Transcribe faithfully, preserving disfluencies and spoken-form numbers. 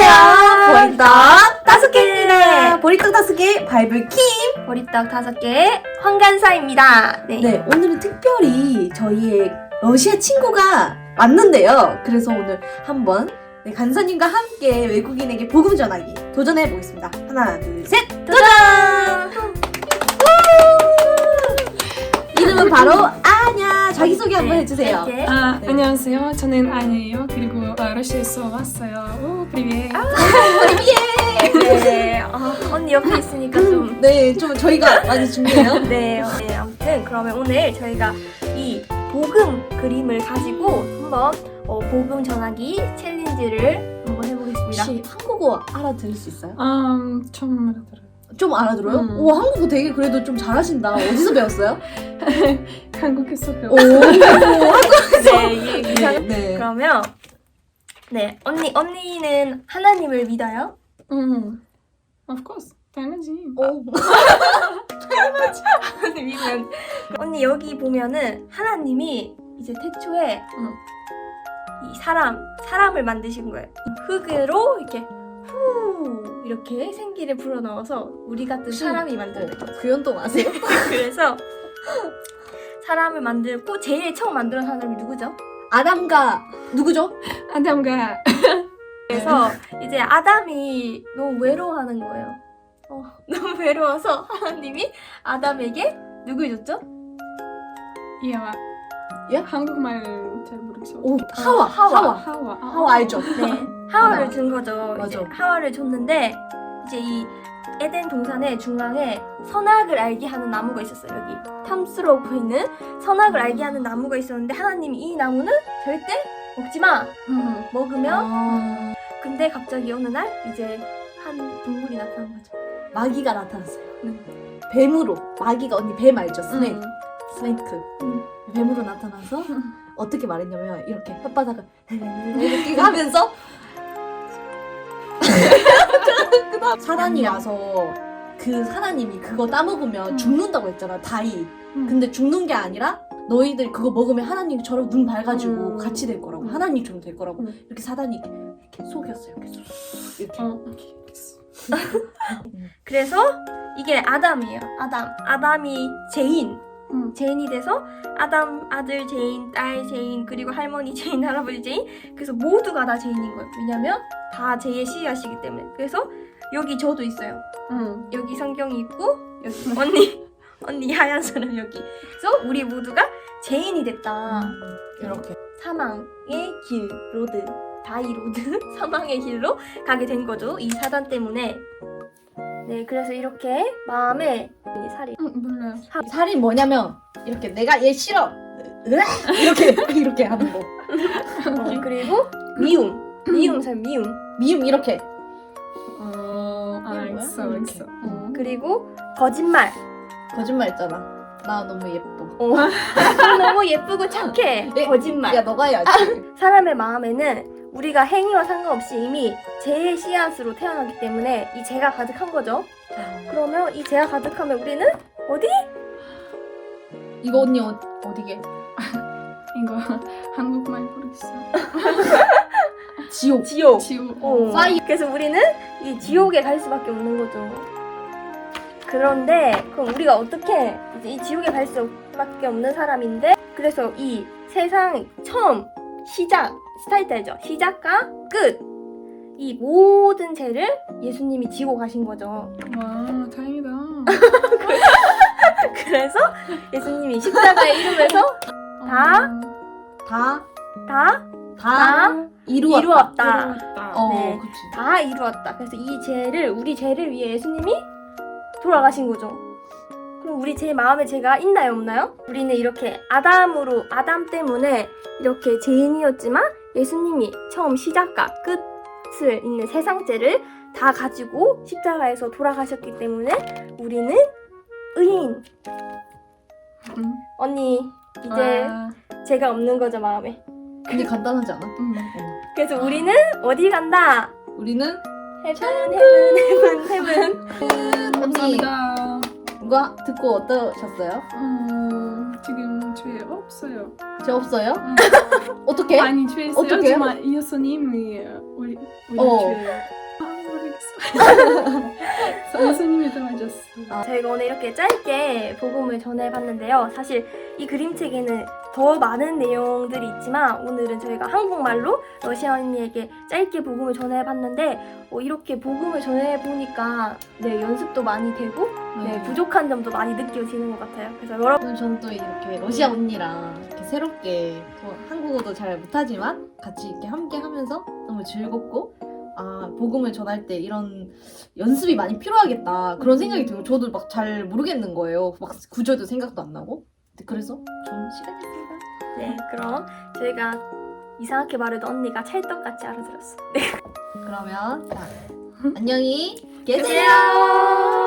안녕하세요. 보리떡 다섯 개입니다. 보리떡 다섯 개 바이블 킴. 보리떡 다섯 개 황간사입니다. 네. 네, 오늘은 특별히 저희의 러시아 친구가 왔는데요. 그래서 오늘 한번 네, 간사님과 함께 외국인에게 복음 전하기 도전해 보겠습니다. 하나, 둘, 셋, 도전! 이름은 바로 아냐. 자기소개 한번 해주세요. 이렇게. 아, 네. 안녕하세요. 저는 아니에요. 그리고 어, 러시아에서 왔어요. 오, 프리비에. 네. 어, 언니 옆에 있으니까 좀. 네, 좀 저희가 많이 준비해요. 네, 어, 네. 아무튼 그러면 오늘 저희가 이 복음 그림을 가지고 한번 어, 복음 전하기 챌린지를 한번 해보겠습니다. 혹시 한국어 알아들을 수 있어요? 음, 좀 알아들어요. 좀 알아들어요? 음. 오, 한국어 되게 그래도 좀 잘하신다. 어디서 배웠어요? 한국에서 오, 배웠어요. 네, 이- 이상. 네. 그러면 네, 언니 언니는 하나님을 믿어요? 음, of course. 당연하지. 오. 믿으면 언니 여기 보면은 하나님이 이제 태초에 응. 이 사람 사람을 만드신 거예요. 흙으로 이렇게 후 이렇게 생기를 불어 넣어서 우리 같은 혹시- 사람이 만들어요. 그 연동 아세요? 그래서 사람을 만들고 제일 처음 만들어 사람이 누구죠? 아담과 누구죠? 아담과 그래서 이제 아담이 너무 외로워하는 거예요. 어, 너무 외로워서 하나님이 아담에게 누굴 줬죠? 이하와. 예? 한국말 잘 모르겠어. 오, 하와, 하와. 하와. 하와. 아, 하와 알죠? 네, 하와를 아담. 준 거죠. 이제 맞아. 하와를 줬는데 이제 이 에덴 동산의 중앙에 선악을 알게 하는 나무가 있었어요. 여기 탐스러워 보이는 선악을 알게 하는 나무가 있었는데 하나님이 이 나무는 절대 먹지 마. 음. 먹으면 아, 근데 갑자기 어느 날 이제 한 동물이 나타난 거죠. 마귀가 나타났어요. 응. 뱀으로. 마귀가 언니 뱀 알죠? 스네이크. 음. 스네이크. 음. 뱀으로 나타나서 어떻게 말했냐면 이렇게 혓바닥을 이렇게 하면서 그다음 사단이 와서 그 사단님이 그거 따먹으면 음. 죽는다고 했잖아. 다이. 음. 근데 죽는 게 아니라 너희들 그거 먹으면 하나님처럼 눈 밝아지고 음. 같이 될 거라고. 음. 하나님처럼 될 거라고. 음. 이렇게 사단이 이렇게, 이렇게 속였어요. 이렇게 속- 이렇게. 어, 오케이. 그래서 이게 아담이에요. 아담. 아담이 제인. 음. 제인이 돼서 아담 아들 제인, 딸 제인, 그리고 할머니 제인, 할아버지 제인. 그래서 모두가 다 제인인 거예요. 왜냐면 다 제의 씨앗이기 때문에. 그래서 여기 저도 있어요. 음. 여기 성경이 있고 여기 언니 언니 하얀 사람 여기. 그래서 우리 모두가 제인이 됐다. 이렇게. 사망의 길 로드 다이 로드 사망의 길로 가게 된 거죠. 이 사단 때문에. 네, 그래서 이렇게 마음에 이 살이 음, 몰라요. 살이 뭐냐면 이렇게 내가 얘 싫어. 으악! 이렇게 이렇게 하는 거. 어, 그리고 미움 미움 살 미움 미움 이렇게. 어, 이게 뭐야? 알겠어, 이렇게. 알겠어. 어. 그리고 거짓말. 거짓말 있잖아. 나 너무 예뻐. 어. 너무 예쁘고 착해. 예, 거짓말. 야 너가 해야지. 사람의 마음에는 우리가 행위와 상관없이 이미 죄의 씨앗으로 태어나기 때문에 이 죄가 가득한 거죠. 그러면 이 죄가 가득하면 우리는 어디? 이거 언니 어, 어디게? 이거 한국말 모르겠어. 지옥. 지옥. 지우. 어. 파이- 그래서 우리는 이 지옥에 갈 수밖에 없는 거죠. 그런데 그럼 우리가 어떻게 이제 이 지옥에 갈 수밖에 없는 사람인데 그래서 이 세상 처음 시작 스타트 알죠? 시작과 끝 이 모든 죄를 예수님이 지고 가신 거죠. 와, 다행이다. 그래서 예수님이 십자가에 이름에서 다? 다, 다 다, 다 이루었다. 이루었다. 이루었다. 어, 네. 그치. 다 이루었다. 그래서 이 죄를 우리 죄를 위해 예수님이 돌아가신 거죠. 그럼 우리 제 마음에 죄가 있나요, 없나요? 우리는 이렇게 아담으로 아담 때문에 이렇게 죄인이었지만 예수님이 처음 시작과 끝을 있는 세상 죄를 다 가지고 십자가에서 돌아가셨기 때문에 우리는 의인. 음. 언니 이제 와. 죄가 없는 거죠, 마음에. 근데 간단하지 않아? 음. 그래서 우리는 어디 간다? 우리는 헤븐 헤븐 헤븐 헤븐. 언니 감사합니다. 이거 듣고 어떠셨어요? 어, 지금 죄 없어요. 죄 없어요? 음. 어떻게? 아니 죄 있어요. 어떡해요? 하지만 예수님이 우리 우리 어. 죄 선생님이 도와줬어. 저희가 오늘 이렇게 짧게 복음을 전해봤는데요. 사실 이 그림책에는 더 많은 내용들이 있지만 오늘은 저희가 한국말로 러시아 언니에게 짧게 복음을 전해봤는데 어, 이렇게 복음을 전해보니까 네, 연습도 많이 되고 네, 부족한 점도 많이 느껴지는 것 같아요. 그래서 여러분 저는 또 이렇게 러시아 언니랑 이렇게 새롭게 저 한국어도 잘 못하지만 같이 이렇게 함께 하면서 너무 즐겁고 아 복음을 전할 때 이런 연습이 많이 필요하겠다 그런 생각이 들고 저도 막 잘 모르겠는 거예요. 막 구절도 생각도 안 나고 그래서 좋은 시간이었습니다. 네, 그럼 저희가 이상하게 말해도 언니가 찰떡같이 알아들었어. 네. 그러면 자, 안녕히 계세요. 계세요.